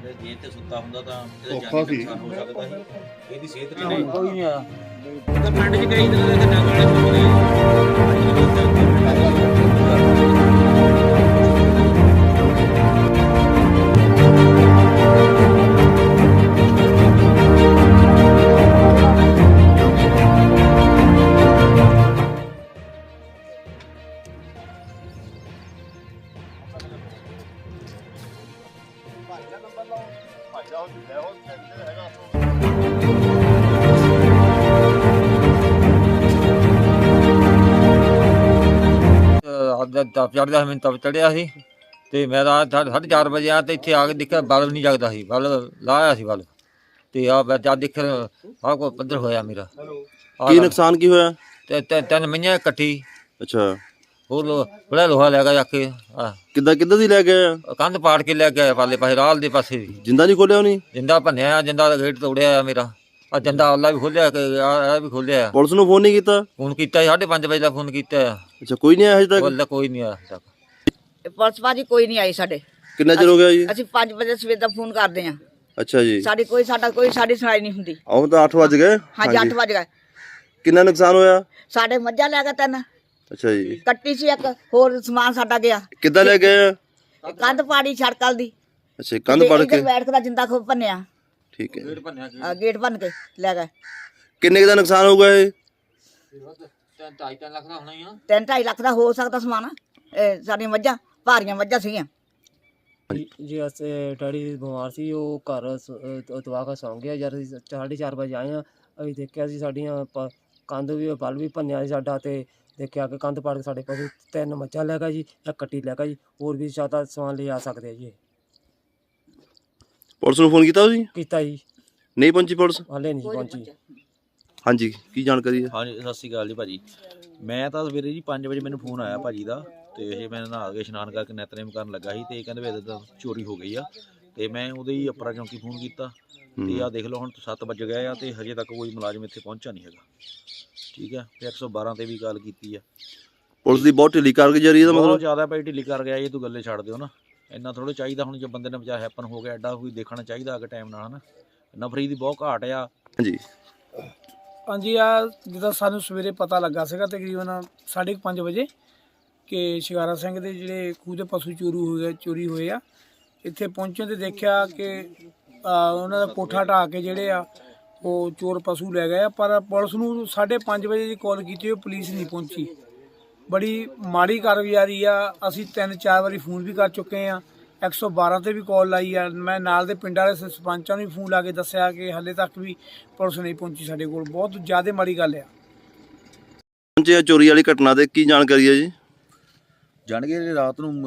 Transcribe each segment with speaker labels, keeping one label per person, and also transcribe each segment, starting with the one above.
Speaker 1: ਜੇ ਜੇਲ੍ਹ ਤੇ ਸੁੱਤਾ ਹੁੰਦਾ ਤਾਂ ਇਹਦਾ ਜਾਨੀ ਨੁਕਸਾਨ ਹੋ ਸਕਦਾ ਸੀ। ਇਹਦੀ ਸਿਹਤ ਤੇ ਨਹੀਂ
Speaker 2: ਕੋਈ ਨਹੀਂ ਆ
Speaker 1: ਤਾਂ ਪਿੰਡ 'ਚ ਕਈ ਤਰ੍ਹਾਂ ਦੇ ਡੰਗ ਵਾਲੇ ਸੁਣਦੇ
Speaker 2: ਤਪ ਚੜ੍ਹਦਾ ਮੈਨੂੰ ਤਪ ਚੜ੍ਹਿਆ ਸੀ ਤੇ ਮੈਂ ਰਾਤ 4:30 ਵਜੇ ਆ ਤੇ ਇੱਥੇ ਆ ਕੇ ਦੇਖਿਆ ਬਲਬ ਨਹੀਂ ਜਗਦਾ ਸੀ, ਬਲਬ ਲਾਇਆ ਸੀ ਬਲਬ ਤੇ ਆ ਮੈਂ ਜਦ ਦੇਖਿਆ ਆਹ ਕੋ ਪੱਧਰ ਹੋਇਆ ਮੇਰਾ।
Speaker 3: ਕੀ ਨੁਕਸਾਨ ਕੀ ਹੋਇਆ?
Speaker 2: ਤੇ ਤਿੰਨ ਮਈਆਂ ਇਕੱਠੀ।
Speaker 3: ਅੱਛਾ,
Speaker 2: ਹੋਰ ਬੜਾ ਲੋਹਾ ਲੈ ਗਿਆ ਕੇ
Speaker 3: ਕਿੱਦਾਂ ਦੀ ਲੈ ਗਏ?
Speaker 2: ਕੰਧ ਪਾੜ ਕੇ ਲੈ ਗਿਆ ਪਾਲੇ ਪਾਸੇ ਰਾਲ ਦੇ ਪਾਸੇ ਵੀ।
Speaker 3: ਜਿੰਦਾ ਨਹੀਂ ਖੋਲਿਆ ਉਹਨੇ?
Speaker 2: ਜਿੰਦਾ ਭੰਨਿਆ, ਜਿੰਦਾ ਦਾ ਗੇਟ ਤੋੜਿਆ ਮੇਰਾ। ਆ ਜਿੰਦਾ ਆਲਾ ਵੀ ਖੋਲਿਆ ਆ ਵੀ ਖੋਲਿਆ।
Speaker 3: ਪੁਲਿਸ ਨੂੰ ਫੋਨ ਨਹੀਂ ਕੀਤਾ?
Speaker 2: ਫੋਨ ਕੀਤਾ 5:30 ਵਜੇ ਦਾ ਫੋਨ ਕੀਤਾ।
Speaker 3: ਅੱਛਾ, ਕੋਈ ਨਹੀਂ ਆਇਆ ਹਜੇ ਤੱਕ?
Speaker 2: ਕੋਈ ਨਹੀਂ ਆਇਆ ਹਜੇ ਤੱਕ।
Speaker 4: ਪੁਲਿਸ ਭਾਜੀ ਕੋਈ ਨਹੀਂ ਆਈ ਸਾਡੇ।
Speaker 3: ਕਿੰਨਾ ਚਿਰ ਹੋ ਗਿਆ ਜੀ?
Speaker 4: ਅਸੀਂ 5 ਵਜੇ ਸਵੇਰ ਦਾ ਫੋਨ ਕਰਦੇ ਆ।
Speaker 3: ਅੱਛਾ ਜੀ।
Speaker 4: ਸਾਡੀ ਸੁਣਾਈ ਨਹੀਂ ਹੁੰਦੀ।
Speaker 3: ਆਹ ਤਾਂ 8 ਵਜ ਗਏ।
Speaker 4: ਹਾਂਜੀ 8 ਵਜ ਗਏ।
Speaker 3: ਕਿੰਨਾ ਨੁਕਸਾਨ ਹੋਇਆ?
Speaker 4: ਸਾਡੇ ਮੱਝਾਂ ਲੈ ਗਏ 3।
Speaker 3: ਅੱਛਾ ਜੀ।
Speaker 4: ਕੱਟੀ ਸੀ ਇੱਕ, ਹੋਰ ਸਮਾਨ ਸਾਡਾ ਗਿਆ।
Speaker 3: ਕਿੱਦਾਂ ਲੈ ਗਏ?
Speaker 4: ਕੰਧ ਪਾੜੀ ਛੜਕਲ ਦੀ।
Speaker 3: ਅੱਛਾ, ਕੰਧ ਪੜ ਕੇ
Speaker 4: ਬੈਠ ਕੇ ਜਿੰਦਾ ਖੋ ਭੰਨਿਆ।
Speaker 3: ਠੀਕ ਹੈ।
Speaker 4: ਗੇਟ ਭੰਨ ਕੇ ਲੈ ਗਏ।
Speaker 3: ਕਿੰਨੇ ਦਾ ਨੁਕਸਾਨ ਹੋਊਗਾ ਇਹ?
Speaker 2: 2.5 ਲੱਖ ਦਾ ਹੋਣਾ ਹੀ ਆ।
Speaker 4: 3-2.5 ਲੱਖ ਦਾ ਹੋ ਸਕਦਾ ਸਮਾਨ। ਸਾਡੀਆਂ ਮੱਝਾਂ ਭਾਰੀਆਂ ਮੱਝਾਂ ਸੀਗੀਆਂ।
Speaker 5: ਜੀ ਅਸੀਂ ਡੈਡੀ ਬਿਮਾਰ ਸੀ, ਉਹ ਘਰ ਤਵਾ ਕੇ ਸੌਂ ਗਿਆ। ਜਦ 4:30 ਵਜੇ ਆਏ ਆ, ਅਸੀਂ ਦੇਖਿਆ ਸੀ ਸਾਡੀਆਂ ਕੰਧ ਵੀ ਬਲ ਵੀ ਭੰਨਿਆ ਸੀ ਸਾਡਾ। ਤੇ ਦੇਖਿਆ ਕਿ ਕੰਧ ਪਾੜ ਕੇ ਸਾਡੇ ਪਸ਼ੂ 3 ਮੱਝਾਂ ਲੈ ਗਿਆ ਜੀ, ਇੱਕ ਕੱਟੀ ਲੈ ਗਿਆ ਜੀ। ਹੋਰ ਵੀ ਜ਼ਿਆਦਾ ਸਮਾਨ ਲੈ ਆ ਸਕਦੇ ਆ ਜੀ।
Speaker 3: ਪੁਲਿਸ ਨੂੰ ਫੋਨ ਕੀਤਾ ਤੁਸੀਂ?
Speaker 5: ਕੀਤਾ ਜੀ,
Speaker 3: ਨਹੀਂ ਪਹੁੰਚੀ ਪੁਲਿਸ?
Speaker 5: ਹਾਲੇ ਨਹੀਂ ਪਹੁੰਚੀ।
Speaker 3: ਹਾਂਜੀ, ਕੀ ਜਾਣਕਾਰੀ ਹੈ?
Speaker 1: ਹਾਂਜੀ, ਸਤਿ ਸ਼੍ਰੀ ਅਕਾਲ ਜੀ ਭਾਜੀ। ਮੈਂ ਤਾਂ ਸਵੇਰੇ ਜੀ 5 ਵਜੇ ਮੈਨੂੰ ਫੋਨ ਆਇਆ ਭਾਜੀ ਦਾ, ਤੇ ਇਹ ਮੈਂ ਨਹਾ ਕੇ ਇਸ਼ਨਾਨ ਕਰਕੇ ਨਿਤਨੇਮ ਕਰਨ ਲੱਗਾ ਸੀ, ਤੇ ਇਹ ਕਹਿੰਦੇ ਵੀ ਇੱਦਾਂ ਚੋਰੀ ਹੋ ਗਈ ਆ। ਤੇ ਮੈਂ ਉਹਦੇ ਹੀ ਅਪਰਾ ਚੌਂਕੀ ਫੋਨ ਕੀਤਾ, ਤੇ ਆਹ ਦੇਖ ਲਓ ਹੁਣ 7 ਵੱਜ ਗਏ ਆ ਤੇ ਹਜੇ ਤੱਕ ਕੋਈ ਮੁਲਾਜ਼ਮ ਇੱਥੇ ਪਹੁੰਚਿਆ ਨਹੀਂ ਹੈਗਾ। ਠੀਕ ਹੈ, ਤੇ 112 ਤੇ ਵੀ ਗੱਲ ਕੀਤੀ ਆ।
Speaker 3: ਪੁਲਿਸ ਦੀ ਬਹੁਤ ਢਿੱਲੀ ਕਾਰਗੁਜ਼ਾਰੀ ਦਾ
Speaker 1: ਬਹੁਤ
Speaker 3: ਮਤਲਬ?
Speaker 1: ਜ਼ਿਆਦਾ ਭਾਈ ਢਿੱਲੀ ਕਰ ਗਿਆ ਇਹ, ਤੂੰ ਗੱਲੇ ਛੱਡ ਦਿਓ ਨਾ। ਇੰਨਾ ਥੋੜ੍ਹਾ ਚਾਹੀਦਾ ਹੁਣ, ਜੇ ਬੰਦੇ ਨੇ ਬਚਾ ਹੈਪਨ ਹੋ ਗਿਆ ਐਡਾ ਕੋਈ ਦੇਖਣਾ ਚਾਹੀਦਾ ਅਗੇ ਟਾਈਮ ਨਾਲ, ਹਨਾ। ਨਫਰੀ ਦੀ ਬਹੁਤ ਘਾਟ ਆ।
Speaker 3: ਹਾਂਜੀ
Speaker 6: ਹਾਂਜੀ, ਜਿੱਦਾਂ ਸਾਨੂੰ ਸਵੇਰੇ ਪਤਾ ਲੱਗਾ ਸੀਗਾ ਤਕਰੀਬਨ 5:30 ਵਜੇ ਕਿ ਸ਼ਿਕਾਰਾ ਸਿੰਘ ਦੇ ਜਿਹੜੇ ਖੂਹ ਦੇ ਪਸ਼ੂ ਚੋਰੀ ਹੋਏ ਆ। ਇੱਥੇ ਪਹੁੰਚਣ ਤੇ ਦੇਖਿਆ ਕਿ ਉਹਨਾਂ ਦਾ ਕੋਠਾ ਢਾਹ ਕੇ ਜਿਹੜੇ ਆ ਉਹ ਚੋਰ ਪਸ਼ੂ ਲੈ ਗਏ ਆ। ਪਰ ਪੁਲਿਸ ਨੂੰ 5:30 ਵਜੇ ਦੀ ਕਾਲ ਕੀਤੀ, ਉਹ ਪੁਲਿਸ ਨਹੀਂ ਪਹੁੰਚੀ। ਬੜੀ ਮਾੜੀ ਕਾਰਗੁਜ਼ਾਰੀ ਆ। ਅਸੀਂ 3-4 ਵਾਰੀ ਫੋਨ ਵੀ ਕਰ ਚੁੱਕੇ ਆ, 112 ਤੇ ਵੀ ਕਾਲ ਲਾਈ ਆ। ਮੈਂ ਨਾਲ ਦੇ ਪਿੰਡ ਵਾਲੇ ਸਰਪੰਚਾਂ ਨੂੰ ਵੀ ਫੋਨ ਲਾ ਕੇ ਦੱਸਿਆ ਕਿ ਹਾਲੇ ਤੱਕ ਵੀ ਪੁਲਿਸ ਨਹੀਂ ਪਹੁੰਚੀ ਸਾਡੇ ਕੋਲ। ਬਹੁਤ ਜ਼ਿਆਦਾ ਮਾੜੀ ਗੱਲ ਆ।
Speaker 3: ਪਹੁੰਚੇ ਚੋਰੀ ਵਾਲੀ ਘਟਨਾ ਦੇ ਕੀ ਜਾਣਕਾਰੀ ਹੈ ਜੀ?
Speaker 7: ਜਾਣ ਕੇ ਰਾਤ ਨੂੰ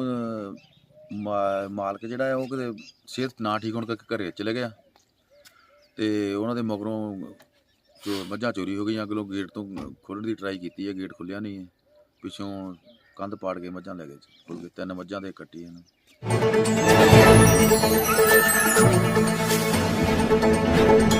Speaker 7: ਮਾਲਕ ਜਿਹੜਾ ਹੈ ਉਹ ਕਿਤੇ ਸਿਹਤ ਨਾ ਠੀਕ ਹੋਣ ਕਰਕੇ ਘਰੇ ਚਲੇ ਗਿਆ, ਤੇ ਉਹਨਾਂ ਦੇ ਮਗਰੋਂ ਮੱਝਾਂ ਚੋਰੀ ਹੋ ਗਈਆਂ। ਅਗਲੋਂ ਗੇਟ ਤੋਂ ਖੋਲ੍ਹਣ ਦੀ ਟਰਾਈ ਕੀਤੀ ਹੈ, ਗੇਟ ਖੁੱਲਿਆ ਨਹੀਂ ਹੈ। ਪਿੱਛੋਂ ਕੰਧ ਪਾੜ ਕੇ ਮੱਝਾਂ ਲੈ ਗਏ। 3 ਮੱਝਾਂ ਦੇ ਕੱਟੀ ਇਹਨਾਂ।